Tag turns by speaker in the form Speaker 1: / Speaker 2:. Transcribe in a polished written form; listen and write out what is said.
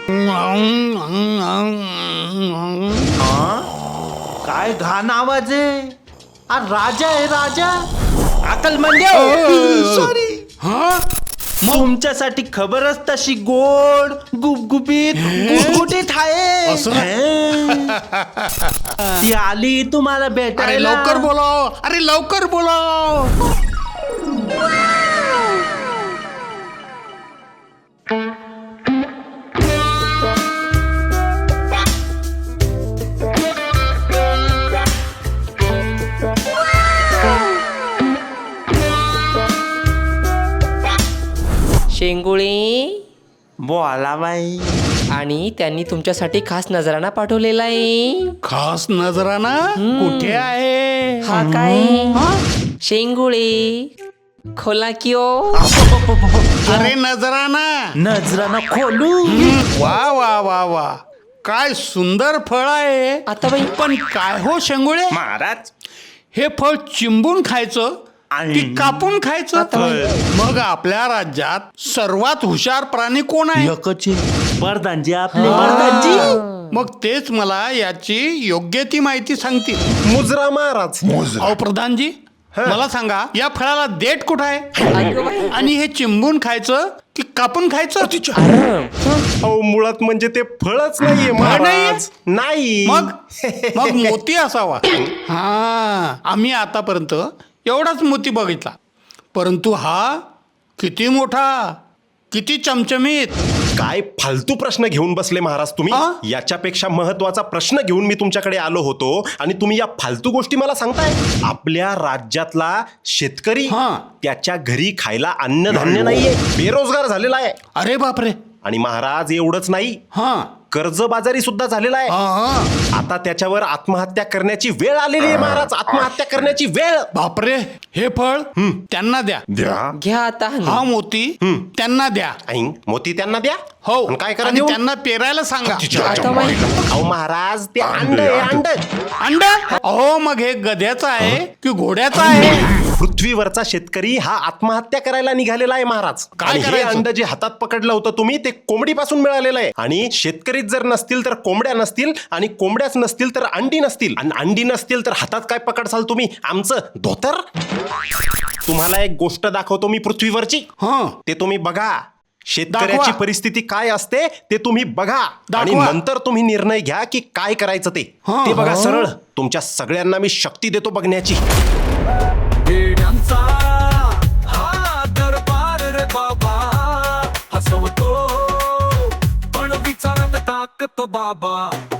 Speaker 1: काय घाण आवाज आहे. राजा आहे राजा.
Speaker 2: अकल म्हणजे
Speaker 1: सॉरी. तुमच्यासाठी खबरच तशी गोड गुबगुबीत गुटगुटीत आहे. ती आली तुम्हाला
Speaker 3: अरे
Speaker 1: भेटायला.
Speaker 3: लवकर बोलाव, अरे लवकर बोलाव.
Speaker 2: शेंगुळे
Speaker 1: बोला बाई.
Speaker 2: आणि त्यांनी तुमच्यासाठी खास नजराणा पाठवलेला आहे.
Speaker 3: खास नजराना कुठे आहे?
Speaker 2: हा काय शेंगुळे खोला किओ.
Speaker 3: अरे नजराना.
Speaker 1: नजरानं खोलू.
Speaker 3: वा वा वा वा, काय सुंदर फळ आहे.
Speaker 2: आता बाई
Speaker 3: पण काय हो शेंगुळे,
Speaker 1: महाराज
Speaker 3: हे फळ चिंबून खायचं की कापून खायचं?
Speaker 2: आता बाई.
Speaker 3: मग आपल्या राज्यात सर्वात हुशार प्राणी कोण आहे?
Speaker 1: एकचे बरदानजी आपले बरदानजी.
Speaker 3: मग तेच मला याची योग्य ती माहिती सांगतील.
Speaker 4: मुजरा महाराज.
Speaker 3: अहो प्रधानजी, मला सांगा या फळाला देठ कुठं आहे?
Speaker 2: अगं बाई.
Speaker 3: आणि हे चिंबून खायचं की कापून खायचं?
Speaker 4: अहो मुळात म्हणजे ते फळच नाहीये महाराज. नाही.
Speaker 3: मग मग मोती असावा. हा, आम्ही आतापर्यंत एवढाच मोती बघितला, परंतु हा किती मोठा, किती चमचमीत.
Speaker 4: काय फालतू प्रश्न घेऊन बसले महाराज तुम्ही.
Speaker 3: हा?
Speaker 4: याच्यापेक्षा महत्वाचा प्रश्न घेऊन मी तुमच्याकडे आलो होतो आणि तुम्ही या फालतू गोष्टी मला सांगताय. आपल्या राज्यातला शेतकरी
Speaker 3: हा.
Speaker 4: त्याच्या घरी खायला अन्नधान्य नाहीये, बेरोजगार झालेला आहे.
Speaker 3: अरे बापरे.
Speaker 4: आणि महाराज एवढंच नाही,
Speaker 3: हा
Speaker 4: कर्जबाजारी सुद्धा झालेला आहे.
Speaker 3: हा.
Speaker 4: आता त्याच्यावर आत्महत्या करण्याची वेळ आलेली आहे महाराज. आत्महत्या करण्याची वेळ.
Speaker 3: बापरे. हे फळ त्यांना द्या.
Speaker 4: द्या.
Speaker 2: घ्या आता.
Speaker 3: हा मोती त्यांना द्या.
Speaker 4: ऐन, मोती त्यांना द्या.
Speaker 3: हो.
Speaker 4: आणि काय करा
Speaker 3: आणि
Speaker 4: देऊन?
Speaker 3: त्यांना पेरायला सांगा.
Speaker 2: आता बाई.
Speaker 4: अहो महाराज ते अंड आहे अंड.
Speaker 3: अंड? अहो मग हे गध्याचं आहे की घोड्याचं आहे?
Speaker 4: पृथ्वीवरचा शेतकरी हा आत्महत्या करायला निघालेला आहे महाराज.
Speaker 3: काय
Speaker 4: आणि हे
Speaker 3: करायचं?
Speaker 4: अंड जे हातात पकडलं होतं तुम्ही ते कोंबडीपासून मिळालेलं आहे. आणि शेतकरीच जर नसतील तर कोंबड्या नसतील, आणि कोंबड्याच नसतील तर अंडी नसतील, आणि अंडी नसतील तर हातात काय पकडसाल तुम्ही? आमचं धोतर. तुम्हाला एक गोष्ट दाखवतो मी पृथ्वीवरची,
Speaker 3: हा.
Speaker 4: ते तुम्ही बघा. शेतकऱ्याची
Speaker 3: दाखवा.
Speaker 4: परिस्थिती काय असते ते तुम्ही बघा, आणि
Speaker 3: दाखवा.
Speaker 4: नंतर तुम्ही निर्णय घ्या की काय करायचं ते.
Speaker 3: हा.
Speaker 4: ते बघा सरळ. तुमच्या सगळ्यांना मी शक्ती देतो बघण्याची.
Speaker 5: येड्यांचा हा दरबार रे बाबा, हसवतो पण विचारात टाकतो बाबा.